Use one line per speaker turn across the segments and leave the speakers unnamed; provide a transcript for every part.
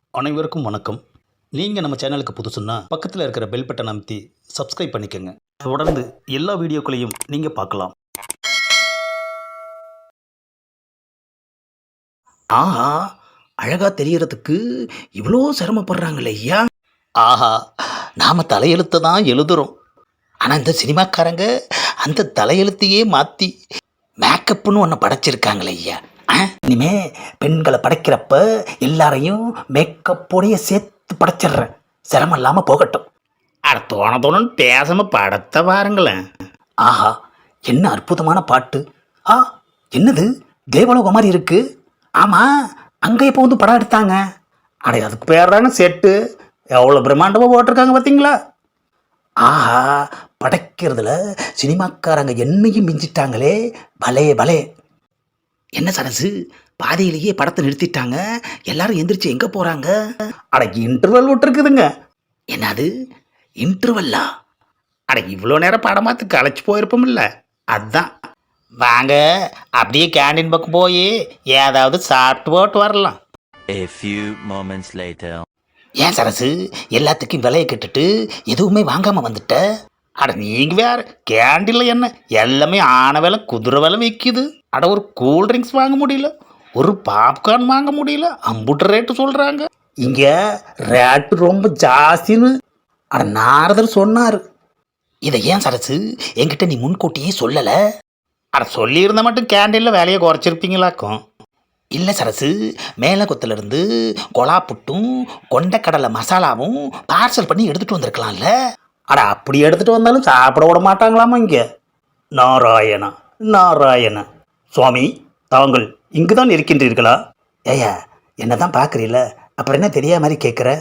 அனைவருக்கும் வணக்கம். நீங்கள் நம்ம சேனலுக்கு புதுசுன்னா பக்கத்தில் இருக்கிற பெல் பட்டன் அமைத்தி சப்ஸ்கிரைப் பண்ணிக்கோங்க. தொடர்ந்து எல்லா வீடியோக்களையும் நீங்கள் பார்க்கலாம்.
ஆஹா, அழகா தெரியறதுக்கு இவ்வளோ சிரமப்படுறாங்களே ஐயா.
ஆஹா, நாம் தலையெழுத்தை தான் எழுதுகிறோம்.
ஆனால் இந்த சினிமாக்காரங்க அந்த தலையெழுத்தையே மாற்றி மேக்கப்னு ஒன்று படைச்சிருக்காங்களே ஐயா. இனிமே பெண்களை படைக்கிறப்ப எல்லாரையும் மேக்கப்போடைய சேர்த்து படைச்சிடுறேன், சிரமம் இல்லாமல் போகட்டும்.
அட தோணுன்னு பேசாமல் படத்தை பாருங்களேன்.
ஆஹா, என்ன அற்புதமான பாட்டு. ஆ, என்னது தேவலோகம் மாதிரி இருக்கு. ஆமாம், அங்கே இப்போ வந்து படம் எடுத்தாங்க.
அடே, அதுக்கு பேர் தானே செட்டு. எவ்வளோ பிரம்மாண்டமாக போட்டிருக்காங்க பார்த்தீங்களா?
ஆஹா, படைக்கிறதுல சினிமாக்காரங்க என்னையும் மிஞ்சிட்டாங்களே. பலே பலே. என்ன சரசு, பாதியிலேயே படத்தை நிறுத்திட்டாங்க, எல்லாரும் எந்திரிச்சு எங்கே போகிறாங்க?
அட, இன்டர்வல் விட்டுருக்குதுங்க.
என்னது இன்டர்வல்லா?
அட, இவ்வளோ நேரம் படம் பார்த்து களைச்சி போயிருப்போம்ல, அதுதான். வாங்க, அப்படியே கேண்டீன் பக்கம் போய் ஏதாவது சாப்பிட்டு போட்டு வரலாம்.
A few moments later.
ஏன் சரசு, எல்லாத்துக்கும் விலையை கட்டுட்டு எதுவுமே வாங்காமல் வந்துட்ட?
அட, நீங்கள் வேறு கேண்டீனில் என்ன எல்லாமே ஆன விலை குதிரை விலை விற்கிது. அட, ஒரு கூல்ட்ரிங்க்ஸ் வாங்க முடியல, ஒரு பாப்கார்ன் வாங்க முடியல, அம்புட்டு ரேட்டு சொல்கிறாங்க.
இங்கே ரேட்டு ரொம்ப ஜாஸ்தின்னு அட நாரதர் சொன்னார். இதை ஏன் சரசு என்கிட்ட நீ முன்கூட்டியே சொல்லலை?
அட, சொல்லியிருந்த மட்டும் கேண்டீனில் வேலையை குறைச்சிருப்பீங்களாக்கும்.
இல்லை சரசு, மேலகுத்திலிருந்து கொலா புட்டும் கொண்டக்கடலை மசாலாவும் பார்சல் பண்ணி எடுத்துகிட்டு வந்திருக்கலாம்ல.
அட, அப்படி எடுத்துகிட்டு வந்தாலும் சாப்பிட விட மாட்டாங்களாமா இங்கே. நாராயணா நாராயணா. சுவாமி, தாங்கள் இங்கு தான் இருக்கின்றீர்களா?
ஏயா, என்ன தான் பார்க்குறீல்ல, அப்புறம் என்ன தெரியாத மாதிரி கேட்குற?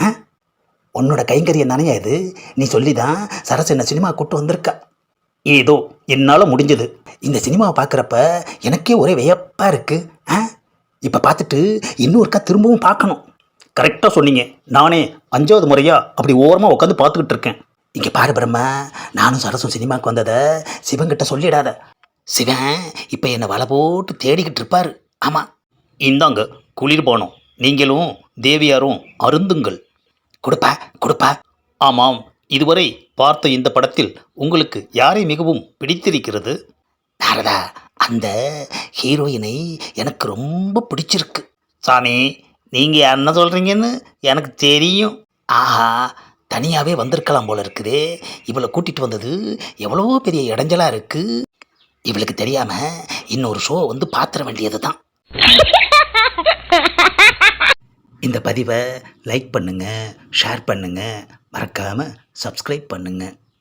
உன்னோட கைங்கரியம் தானே இது. நீ சொல்லி தான் சரசு என்ன சினிமா கூப்பிட்டு வந்திருக்கா.
ஏதோ என்னால் முடிஞ்சது.
இந்த சினிமாவை பார்க்குறப்ப எனக்கே ஒரே வியப்பாக இருக்குது. இப்போ பார்த்துட்டு இன்னொருக்கா திரும்பவும் பார்க்கணும்.
கரெக்டாக சொன்னீங்க. நானே 5வது முறையாக அப்படி ஓரமாக உட்காந்து பார்த்துக்கிட்டு இருக்கேன்.
இங்கே பாரு பிரம்மா, நானும் சரசும் சினிமாவுக்கு வந்ததை சிவன்கிட்ட சொல்லிடாத. சிவன் இப்போ என்னை வலை போட்டு தேடிக்கிட்டு இருப்பார். ஆமாம்,
இந்தாங்க குளிர் போனோம், நீங்களும் தேவியாரும் அருந்துங்கள்.
கொடுப்பா கொடுப்பா.
ஆமாம், இதுவரை பார்த்த இந்த படத்தில் உங்களுக்கு யாரை மிகவும் பிடித்திருக்கிறது?
நாரதா, அந்த ஹீரோயினை எனக்கு ரொம்ப பிடிச்சிருக்கு.
சாமி, நீங்கள் என்ன சொல்கிறீங்கன்னு எனக்கு தெரியும்.
ஆஹா, தனியாகவே வந்திருக்கலாம் போல இருக்குதே. இவளை கூட்டிகிட்டு வந்தது எவ்வளவோ பெரிய இடைஞ்சலாக இருக்குது. இவளுக்கு தெரியாமல் இன்னொரு ஷோ வந்து பார்த்துட வேண்டியது தான். இந்த பதிவை லைக் பண்ணுங்கள், ஷேர் பண்ணுங்கள், மறக்காமல் சப்ஸ்கிரைப் பண்ணுங்கள்.